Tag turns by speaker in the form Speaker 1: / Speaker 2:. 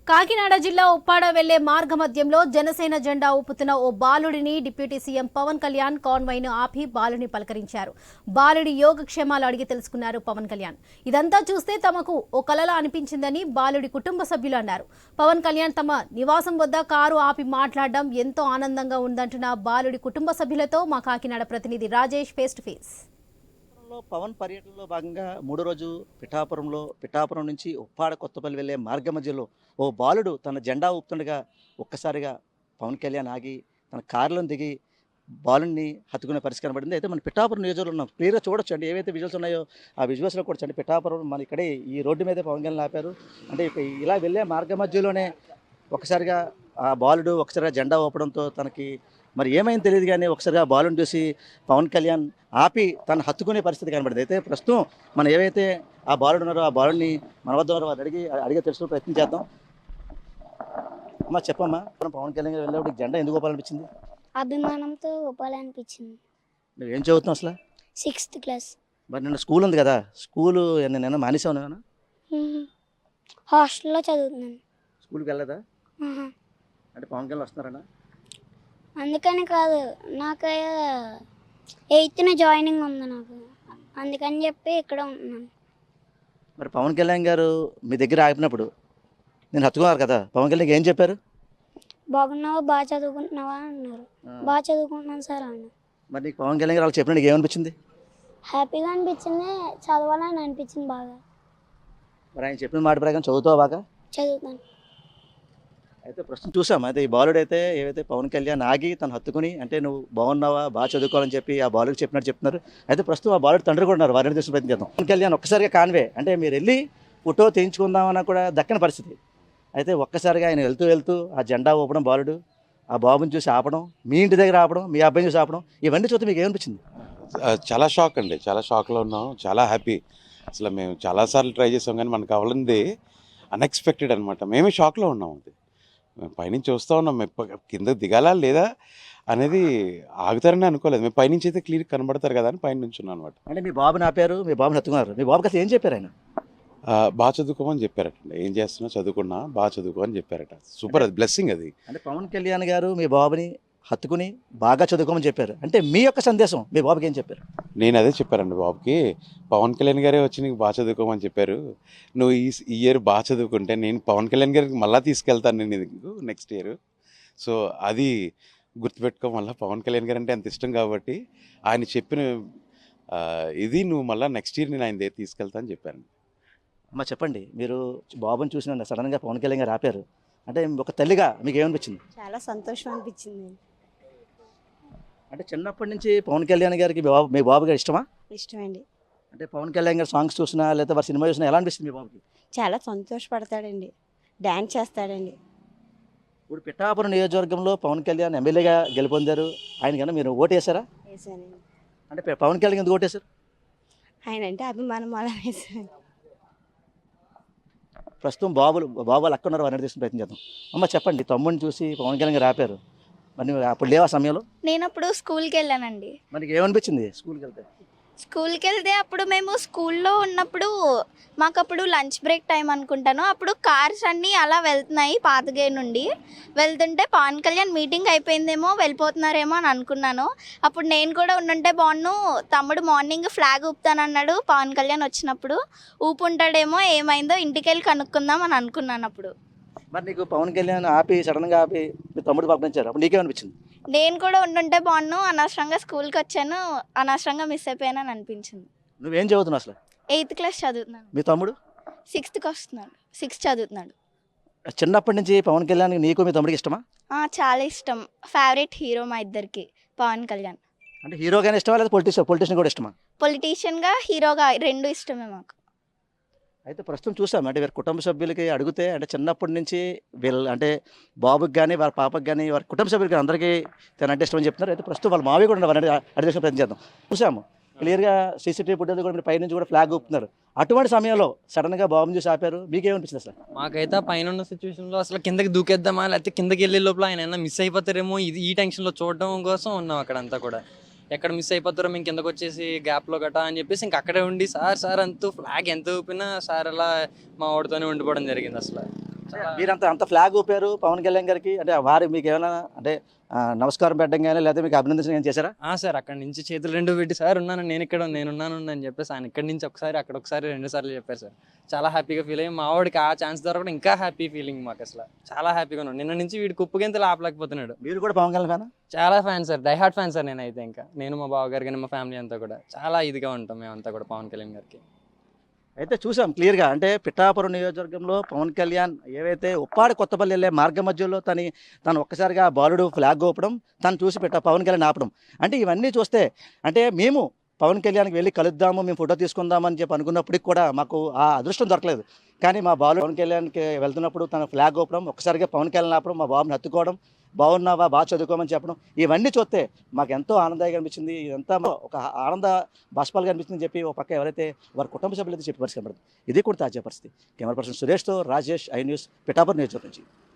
Speaker 1: కాకినాడ జిల్లా ఉప్పాడ వెళ్లే మార్గ మధ్యంలో జనసేన జెండా ఊపుతున్న ఓ బాలుడిని డిప్యూటీ సీఎం పవన్ కళ్యాణ్ కాన్వాయ్ను ఆపి బాలుడిని పలకరించారు. బాలుడి యోగక్షేమాలు అడిగి తెలుసుకున్నారు పవన్ కళ్యాణ్. ఇదంతా చూస్తే తమకు ఓ కలలా అనిపించిందని బాలుడి కుటుంబ సభ్యులు అన్నారు. పవన్ కళ్యాణ్ తమ నివాసం వద్ద కారు ఆపి మాట్లాడడం ఎంతో ఆనందంగా ఉందంటున్న బాలుడి కుటుంబ సభ్యులతో మా కాకినాడ ప్రతినిధి Rajesh face to face.
Speaker 2: Pawan పర్యటనలో భాగంగా మూడో రోజు పిఠాపురం నుంచి ఉప్పాడ కొత్తపల్లి వెళ్లే మార్గ మధ్యలో ఓ బాలుడు తన జెండా ఊపుతుండగా ఒక్కసారిగా పవన్ కళ్యాణ్ ఆగి తన కారులో దిగి బాలుని హత్తుకునే పరిస్థితి కనబడింది. అయితే మన పిఠాపురం నియోజకవర్గంలో ఉన్నాం, క్లియర్గా చూడొచ్చు అండి. ఏవైతే విజువల్స్ ఉన్నాయో ఆ విజువల్స్లో కూడా చూడండి. పిఠాపురం మన ఇక్కడే ఈ రోడ్డు మీదే పవన్ కళ్యాణ్ ఆపారు. అంటే ఇలా వెళ్ళే మార్గ మధ్యలోనే ఒకసారిగా ఆ బాలుడు ఒకసారిగా జెండా ఊపడంతో తనకి మరి ఏమైంది తెలియదు, కానీ ఒకసారిగా బాలుని చూసి పవన్ కళ్యాణ్ ఆపి తను హత్తుకునే పరిస్థితి కనబడింది. అయితే ప్రస్తుతం మనం ఏవైతే ఆ బాలుడు ఉన్నారో ఆ బాలుని మన వద్ద ఉన్నారో వారు అడిగే తెలుసుకునే ప్రయత్నం చేద్దాం. అమ్మా చెప్పమ్మా, పవన్ కళ్యాణ్ గారు వెళ్ళేప్పుడు జెండా ఎందుకు ఊపాలనిపించింది?
Speaker 3: అభిమానంతో ఊపాలనిపించింది.
Speaker 2: నువ్వేం చదువుతున్నావు అసలు?
Speaker 3: 6th class.
Speaker 2: మరి నిన్న స్కూల్ ఉంది కదా, స్కూలు నేను మానేసావు ఏమన్నా?
Speaker 3: హాస్టల్లో చదువుతున్నాను.
Speaker 2: స్కూల్కి వెళ్ళదా? అంటే పవన్ కళ్యాణ్ వస్తున్నారన్నా?
Speaker 3: అందుకని కాదు, నాకు 8th జాయినింగ్ ఉంది నాకు, అందుకని చెప్పి ఇక్కడ ఉంటున్నాను.
Speaker 2: మరి పవన్ కళ్యాణ్ గారు మీ దగ్గర ఆగినప్పుడు నేను హత్తుకున్నారు కదా, పవన్ కళ్యాణ్ ఏం చెప్పారు?
Speaker 3: బాగున్నావా, బాగా చదువుకుంటున్నావా అన్నారు. బాగా చదువుకుంటున్నాను సార్ అన్న.
Speaker 2: మరి నీకు పవన్ కళ్యాణ్ గారు వాళ్ళు చెప్పినట్టు ఏమనిపించింది?
Speaker 3: హ్యాపీగా అనిపించింది, చదవాలని అనిపించింది బాగా.
Speaker 2: మరి ఆయన చెప్పిన మాట ప్రకారం చదువుతావు బాగా?
Speaker 3: చదువుతాను.
Speaker 2: అయితే ప్రస్తుతం చూసాం, అయితే ఈ బాలుడు అయితే ఏవైతే పవన్ కళ్యాణ్ ఆగి తను హత్తుకుని అంటే నువ్వు బాగున్నావా, బాగా చదువుకోవాలని చెప్పి ఆ బాలుడికి చెప్పినట్టు చెప్తున్నారు. అయితే ప్రస్తుతం ఆ బాలుడు తండ్రి కూడా ఉన్నారు, వారిని చూసిన ప్రయత్నం చేద్దాం. పవన్ కళ్యాణ్ ఒక్కసారిగా కాన్వే అంటే మీరు వెళ్ళి ఫోటో తీయించుకుందామన్నా కూడా దక్కని పరిస్థితి. అయితే ఒక్కసారిగా ఆయన వెళ్తూ ఆ జెండా ఊపడం, బాలుడు ఆ బాబుని చూసి ఆపడం, మీ ఇంటి దగ్గర ఆపడం, మీ అబ్బాయిని చూసి ఆపడం, ఇవన్నీ చూస్తే మీకు ఏమనిపించింది?
Speaker 4: చాలా షాక్ అండి, చాలా షాక్లో ఉన్నాం, చాలా హ్యాపీ. అసలు మేము చాలాసార్లు ట్రై చేసాం కానీ మనకు కావాలంది అన్ఎక్స్పెక్టెడ్ అనమాట. మేమే షాక్లో ఉన్నాం. అది మేము పైనుంచి చూస్తూ ఉన్నాం, మేము కింద దిగాలా లేదా అనేది ఆగుతారని అనుకోలేదు. మేము పైనుంచి అయితే క్లియర్ కనబడతారు కదా అని పైన నుంచి ఉన్నాం అనమాట.
Speaker 2: అంటే మీ బాబుని ఆపారు, మీ బాబుని హత్తుకున్నారు, మీ బాబుకి అసలు ఏం చెప్పారు ఆయన?
Speaker 4: బాగా చదువుకోమని చెప్పారట. ఏం చేస్తున్నా, చదువుకున్నా, బాగా చదువుకో అని చెప్పారట. సూపర్, అది బ్లెస్సింగ్. అది
Speaker 2: అంటే పవన్ కళ్యాణ్ గారు మీ బాబుని హత్తుకుని బాగా చదువుకోమని చెప్పారు. అంటే మీ యొక్క సందేశం మీ బాబుకి ఏం చెప్పారు?
Speaker 4: నేను అదే చెప్పారండి బాబుకి, పవన్ కళ్యాణ్ గారే వచ్చి నీకు బాగా చదువుకోమని చెప్పారు, నువ్వు ఈ ఇయర్ బాగా చదువుకుంటే నేను పవన్ కళ్యాణ్ గారికి మళ్ళీ తీసుకెళ్తాను నేను నీకు నెక్స్ట్ ఇయర్. సో అది గుర్తుపెట్టుకో, మళ్ళీ పవన్ కళ్యాణ్ గారు అంటే అంత ఇష్టం కాబట్టి ఆయన చెప్పిన ఇది నువ్వు మళ్ళీ నెక్స్ట్ ఇయర్ నేను ఆయన దగ్గర తీసుకెళ్తా అని చెప్పాను.
Speaker 2: అమ్మ చెప్పండి, మీరు బాబుని చూసిన సడన్గా పవన్ కళ్యాణ్ గారు ఆపారు, అంటే ఒక తల్లిగా మీకు ఏమనిపించింది?
Speaker 5: చాలా సంతోషం అనిపించింది.
Speaker 2: అంటే చిన్నప్పటి నుంచి పవన్ కళ్యాణ్ గారికి మీ బాబు గారు ఇష్టమా?
Speaker 5: ఇష్టమండి.
Speaker 2: అంటే పవన్ కళ్యాణ్ గారు సాంగ్స్ చూసినా లేదా వారి సినిమా చూసినా ఎలా అనిపిస్తుంది మీ బాబుకి?
Speaker 5: చాలా సంతోషపడతాడండి, డ్యాన్స్ చేస్తాడండి.
Speaker 2: ఇప్పుడు పిఠాపురం నియోజకవర్గంలో పవన్ కళ్యాణ్ ఎమ్మెల్యేగా గెలుపొందారు. ఆయన కన్నా మీరు ఓటు వేశారా?
Speaker 5: వేసానండి.
Speaker 2: అంటే పవన్ కళ్యాణ్ ఎందుకు ఓటేశారు?
Speaker 5: ఆయన అంటే అభిమానం అలా వేసాను.
Speaker 2: ప్రస్తుతం బాబులు అక్కడ ఉన్నారు, వారిని తీసుకుని ప్రయత్నం చేద్దాం. అమ్మ చెప్పండి, తమ్ముడిని చూసి పవన్ కళ్యాణ్ గారు ఆపారు, మరి అప్పుడు లేవా సమయంలో?
Speaker 6: నేను అప్పుడు స్కూల్కి వెళ్ళానండి.
Speaker 2: మనకి ఏమనిపించింది స్కూల్కి వెళ్తే?
Speaker 6: అప్పుడు మేము స్కూల్లో ఉన్నప్పుడు మాకు అప్పుడు లంచ్ బ్రేక్ టైం అనుకుంటాను. అప్పుడు కార్స్ అన్నీ అలా వెళ్తున్నాయి పాతగే నుండి. వెళ్తుంటే పవన్ కళ్యాణ్ మీటింగ్ అయిపోయిందేమో వెళ్ళిపోతున్నారేమో అని అనుకున్నాను. అప్పుడు నేను కూడా ఉండుంటే బాగున్ను, తమ్ముడు మార్నింగ్ ఫ్లాగ్ ఊపుతానన్నాడు, పవన్ కళ్యాణ్ వచ్చినప్పుడు ఊపుంటాడేమో, ఏమైందో ఇంటికి వెళ్ళి కనుక్కుందాం అని అనుకున్నాను. అప్పుడు
Speaker 2: మరి నీకు పవన్ కళ్యాణ్ ఆపి సడన్గా ఆపి మీ తమ్ముడు పంపించారు, అప్పుడు నీకేమనిపించింది?
Speaker 6: నేను కూడా ఉండుంటే బాగున్ను, అనవసరంగా స్కూల్కి వచ్చాను, అనవసరంగా మిస్ అయిపోయానని అనిపించింది.
Speaker 2: నువ్వేం చదువుతున్నావు అసలు?
Speaker 6: 8th క్లాస్ చదువుతున్నాను.
Speaker 2: మీ తమ్ముడు
Speaker 6: 6th వస్తున్నాడు, 6th చదువుతున్నాడు.
Speaker 2: చిన్నప్పటి నుంచి పవన్ కళ్యాణ్ నీకు మీ తమ్ముడికి ఇష్టమా?
Speaker 6: చాలా ఇష్టం, ఫేవరెట్ హీరో మా ఇద్దరికి పవన్ కళ్యాణ్.
Speaker 2: అంటే హీరోగానే ఇష్టమా లేదా పొలిటీషియన్ కూడా ఇష్టమా?
Speaker 6: పొలిటీషియన్గా, హీరోగా రెండు ఇష్టమే మాకు.
Speaker 2: అయితే ప్రస్తుతం చూసాం, అంటే వీరి కుటుంబ సభ్యులకి అడిగితే అంటే చిన్నప్పటి నుంచి వీళ్ళు అంటే బాబుకి కానీ వారి పాపకి కానీ వారి కుటుంబ సభ్యులకి అందరికీ తనంటే ఇష్టమని చెప్తున్నారు. అయితే ప్రస్తుతం వాళ్ళ మావి కూడా ఉన్నారు, అడిగే ప్రయత్నం చేద్దాం. చూసాము క్లియర్గా సీసీటీవీ ఫుటేజ్ కూడా మీరు పైనుంచి కూడా ఫ్లాగ్ ఊపుతున్నారు. అటువంటి సమయంలో సడన్గా బాబుని చూసి ఆపారు, మీకేమనిపించింది అసలు?
Speaker 7: మాకైతే పైన ఉన్న సిచ్యువేషన్లో అసలు కిందకి దూకేద్దామా లేకపోతే కిందకి వెళ్ళే లోపల ఆయన ఏమైనా మిస్ అయిపోతారేమో ఈ టెన్షన్లో చూడడం కోసం ఉన్నాం అక్కడంతా కూడా. ఎక్కడ మిస్ అయిపోతారో మేము కిందకు వచ్చేసి గ్యాప్లో గట్టా అని చెప్పేసి ఇంక అక్కడే ఉండి సార్ అంటూ ఫ్లాగ్ ఎంత ఊపినా సార్ అలా మా వాడితోనే ఉండిపోవడం జరిగింది. అసలు
Speaker 2: మీరంతా అంత ఫ్లాగ్ ఊపారు పవన్ కళ్యాణ్ గారికి, అంటే వారు మీకు ఏమైనా అంటే నమస్కారం పెట్టడం కానీ లేదా మీకు అభినందించడం ఏం చేశారా?
Speaker 7: సార్ అక్కడ నుంచి చేతులు రెండు పెట్టి సార్ ఉన్నాను నేను ఇక్కడ నేనున్నాను అని చెప్పేసి ఆయన ఇక్కడి నుంచి ఒకసారి అక్కడ ఒకసారి 2 సార్లు చెప్పారు సార్. చాలా హ్యాపీగా ఫీల్ అయ్యి మా వాడికి ఆ ఛాన్స్ దొరకడం ఇంకా హ్యాపీ ఫీలింగ్ మాకు. అసలు చాలా హ్యాపీగా ఉన్నాడు. నిన్న నుంచి వీడి కుప్పగింతలు ఆపలేకపోతున్నాడు.
Speaker 2: మీరు కూడా పవన్ కళ్యాణ్ ఫ్యానా?
Speaker 7: చాలా fan sir, die hard fan sir నేనైతే. ఇంకా నేను మా బావగారు కానీ మా ఫ్యామిలీ అంతా కూడా చాలా ఇదిగా ఉంటాం మేమంతా కూడా పవన్ కళ్యాణ్ గారికి.
Speaker 2: అయితే చూసాం క్లియర్గా, అంటే పిఠాపురం నియోజకవర్గంలో పవన్ కళ్యాణ్ ఏవైతే ఉప్పాడ కొత్తపల్లి వెళ్ళే మార్గ మధ్యలో తను ఒక్కసారిగా బాలుడు ఫ్లాగ్ ఊపడం, తను చూసి పవన్ కళ్యాణ్ ఆపడం, అంటే ఇవన్నీ చూస్తే అంటే మేము పవన్ కళ్యాణ్కి వెళ్ళి కలుద్దాము, మేము ఫోటో తీసుకుందామని చెప్పి అనుకున్నప్పటికి కూడా మాకు ఆ అదృష్టం దొరకలేదు. కానీ మా బాలు పవన్ కళ్యాణ్కి వెళ్తున్నప్పుడు తన ఫ్లాగ్ ఊపడం, ఒక్కసారిగా పవన్ కళ్యాణ్ ఆపడం, మా బాబుని హత్తుకోవడం, బాగున్నావా బాగా చదువుకోమని చెప్పడం, ఇవన్నీ చూస్తే మాకు ఎంతో ఆనందంగా అనిపించింది. ఇదంతా ఒక ఆనంద బాష్పాలుగా అనిపించిందని చెప్పి ఒక పక్క ఎవరైతే వారి కుటుంబ సభ్యులైతే చెప్పి పరిస్థితి కనబడుతుంది. ఇది కూడా తాజా పరిస్థితి. కెమెరా పర్సన్ సురేష్తో రాజేష్, ఐ న్యూస్, పిఠాపురం నియోజకవర్గం నుంచి.